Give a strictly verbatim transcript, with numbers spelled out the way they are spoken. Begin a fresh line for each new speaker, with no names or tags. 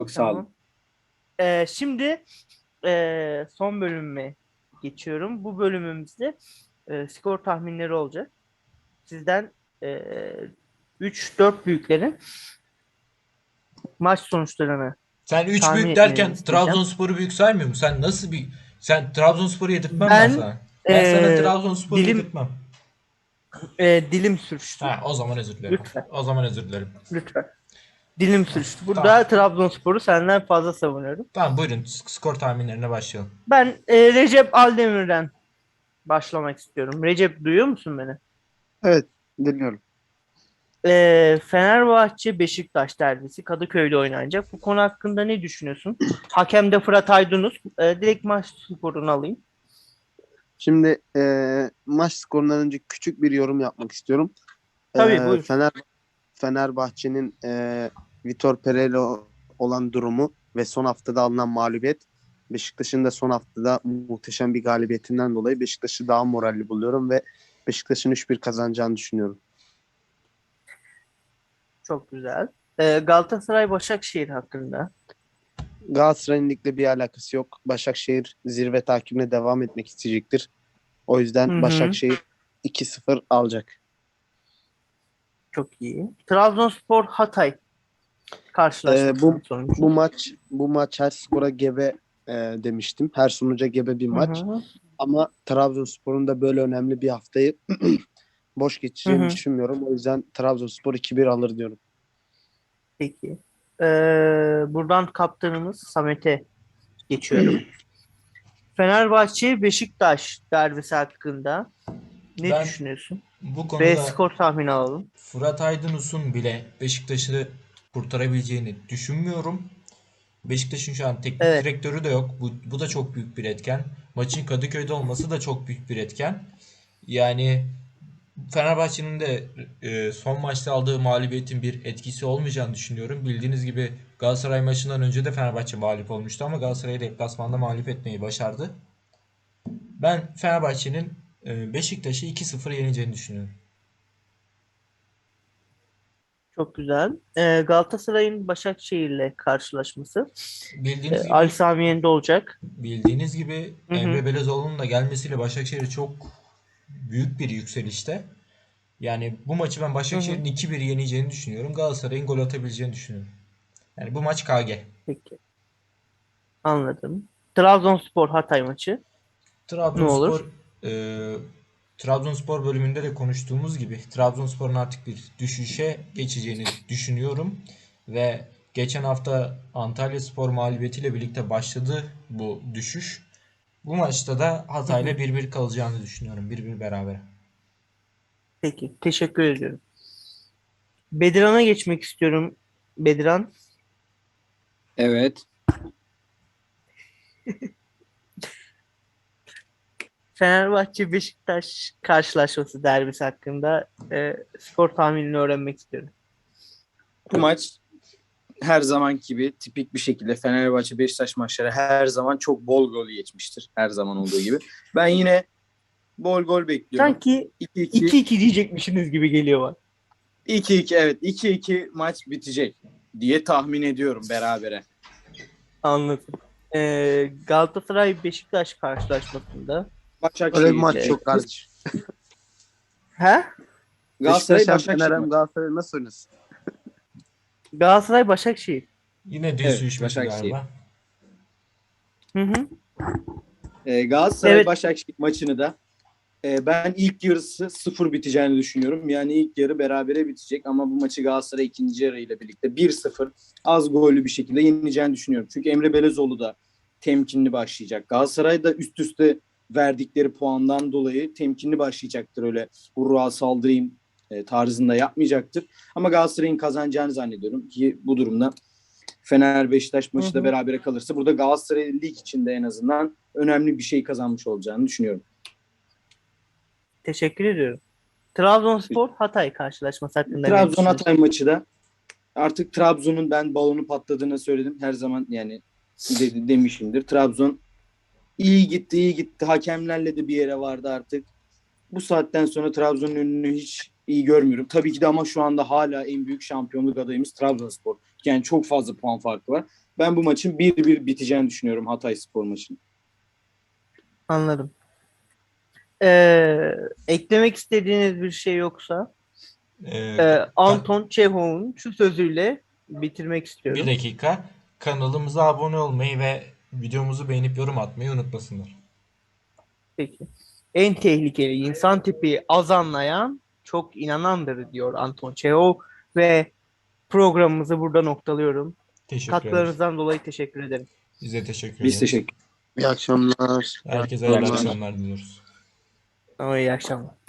Çok sağ olun.
Tamam. Ee, şimdi ee, son bölümüme geçiyorum. Bu bölümümüzde ee, skor tahminleri olacak. Sizden ee, üç dört büyüklerin maç sonuçlarını
Sen üç
tahmin
büyük
etmelerini
derken
isteyeceğim.
Trabzonspor'u büyük saymıyor musun? Sen nasıl bir... Sen Trabzonspor'u yedirtmem ben
Ben
sana. Ben sana
ee,
Trabzonspor'u
dilim
yedirtmem.
ee, dilim sürçtü.
Ha, o zaman özür dilerim.
Lütfen,
O zaman özür dilerim.
lütfen. Dilim
Ha,
sürçtü.
tamam.
Burada Trabzonspor'u senden fazla savunuyorum.
Tamam, buyurun skor tahminlerine başlayalım.
Ben ee, Recep Aldemir'den başlamak istiyorum. Recep, duyuyor musun beni?
Evet, dinliyorum.
Ee, Fenerbahçe Beşiktaş derbisi Kadıköy'de oynanacak. Bu konu hakkında ne düşünüyorsun? Hakem de Fırat Aydınus. Ee, direkt maç skorunu alayım.
Şimdi e, maç skorundan önce küçük bir yorum yapmak istiyorum.
Tabii,
E,
buyur.
Fener Fenerbahçe'nin e, Vitor Pereira olan durumu ve son haftada alınan mağlubiyet, Beşiktaş'ın da son haftada muhteşem bir galibiyetinden dolayı Beşiktaş'ı daha moralli buluyorum ve Beşiktaş'ın üç bir kazanacağını düşünüyorum.
Çok güzel. Ee, Galatasaray Başakşehir hakkında.
Galatasaray'ın ligle bir alakası yok. Başakşehir zirve takibine devam etmek isteyecektir. O
Hı
yüzden
hı.
Başakşehir iki sıfır alacak.
Çok iyi. Trabzonspor Hatay
Ee,
karşılaşmasının
bu
sonucu.
bu maç bu maç her skora gebe e, demiştim. Her sonuca gebe bir
Hı
maç.
hı.
Ama Trabzonspor'un da böyle önemli bir haftayı boş
Hı
geçeceğini
hı.
düşünmüyorum. O yüzden Trabzonspor iki bir alır diyorum.
Peki. Ee, buradan kaptanımız Samet'e geçiyorum. Fenerbahçe Beşiktaş derbisi hakkında ne
Ben
düşünüyorsun?
bu
Ve
konuda
skor tahmini alalım.
Fırat Aydınus'un bile Beşiktaş'ı kurtarabileceğini düşünmüyorum. Beşiktaş'ın şu an teknik
Evet.
direktörü de yok. Bu, bu da çok büyük bir etken. Maçın Kadıköy'de olması da çok büyük bir etken. Yani Fenerbahçe'nin de e, son maçta aldığı mağlubiyetin bir etkisi olmayacağını düşünüyorum. Bildiğiniz gibi Galatasaray maçından önce de Fenerbahçe mağlup olmuştu ama Galatasaray'ı deplasmanda mağlup etmeyi başardı. Ben Fenerbahçe'nin e, Beşiktaş'ı iki sıfır yeneceğini düşünüyorum.
Çok güzel. Ee, Galatasaray'ın Başakşehir'le karşılaşması. Ee,
Bildiğiniz
Ali
gibi
Sami Yen'de olacak.
bildiğiniz gibi
Hı hı.
Emre Belözoğlu'nun da gelmesiyle Başakşehir çok büyük bir yükselişte. Yani bu maçı ben
Hı hı.
Başakşehir'in iki bir yeneceğini düşünüyorum. Galatasaray'ın gol atabileceğini düşünüyorum. Yani bu maç K G.
Peki. Anladım. Trabzonspor Hatay maçı ne
Trabzonspor
olur?
e, Trabzonspor bölümünde de konuştuğumuz gibi Trabzonspor'un artık bir düşüşe geçeceğini düşünüyorum ve geçen hafta Antalyaspor mağlubiyetiyle birlikte başladı bu düşüş. Bu maçta da
Hı
Hatay'la
hı.
bir bir kalacağını düşünüyorum. Bir bir beraber.
Peki. Teşekkür ediyorum. Bediran'a geçmek istiyorum. Bediran.
Evet.
Fenerbahçe Beşiktaş karşılaşması derbisi hakkında e, skor tahminini öğrenmek istiyorum.
Bu maç her zaman gibi tipik bir şekilde Fenerbahçe Beşiktaş maçları her zaman çok bol gol geçmiştir. Her zaman olduğu gibi. Ben yine bol gol bekliyorum.
Sanki
iki iki
iki iki diyecekmişsiniz gibi geliyor bana.
iki iki evet iki iki maç bitecek diye tahmin ediyorum berabere.
Anladım. E, Galatasaray Beşiktaş karşılaşmasında
Öyle bir
Başakşehir
maç
e,
yok
diyecektir.
kardeşim.
he?
Beşiktaş
Galatasaray
hem Fener
Başakşehir
hem
maçı.
Galatasaray nasıl oynasın?
Galatasaray Başakşehir.
Yine düz
Evet,
düşmesi
Başakşehir.
galiba.
Hı hı.
Ee, Galatasaray
Evet.
Başakşehir maçını da e, ben ilk yarısı sıfır biteceğini düşünüyorum. Yani ilk yarı berabere bitecek ama bu maçı Galatasaray ikinci yarıyla birlikte bir sıfır az gollü bir şekilde yenileceğini düşünüyorum. Çünkü Emre Belezoğlu da temkinli başlayacak. Galatasaray da üst üste verdikleri puandan dolayı temkinli başlayacaktır. Öyle hurra saldırayım e, tarzında yapmayacaktır. Ama Galatasaray'ın kazanacağını zannediyorum ki bu durumda Fener Beşiktaş
Hı
maçı da
hı.
berabere kalırsa burada Galatasaray lig içinde en azından önemli bir şey kazanmış olacağını düşünüyorum.
Teşekkür ediyorum. Trabzonspor Hatay karşılaşması hakkında ne
Trabzon Hatay
düşünüyorsun?
maçı da artık Trabzon'un ben balonu patladığını söyledim. Her zaman yani de, demişimdir. Trabzon iyi gitti iyi gitti. Hakemlerle de bir yere vardı artık. Bu saatten sonra Trabzon'un önünü hiç iyi görmüyorum. Tabii ki de ama şu anda hala en büyük şampiyonluk adayımız Trabzonspor. Yani çok fazla puan farkı var. Ben bu maçın bir bir biteceğini düşünüyorum, Hatayspor maçının.
Anladım. Ee, eklemek istediğiniz bir şey yoksa
Ee,
e,
ka-
Anton Çehov'un şu sözüyle bitirmek
bir
istiyorum.
dakika. Kanalımıza abone olmayı ve videomuzu beğenip yorum atmayı unutmasınlar.
Peki. En tehlikeli insan tipi az anlayan çok inanandır diyor Anton Çehov ve programımızı burada noktalıyorum.
Teşekkür ederiz.
Katkılarınızdan dolayı teşekkür ederim.
Biz de teşekkür
Biz
ederiz.
teşekkür
İyi akşamlar. İyi
Herkese hayırlı
akşamlar.
akşamlar diliyoruz.
Ama iyi akşamlar.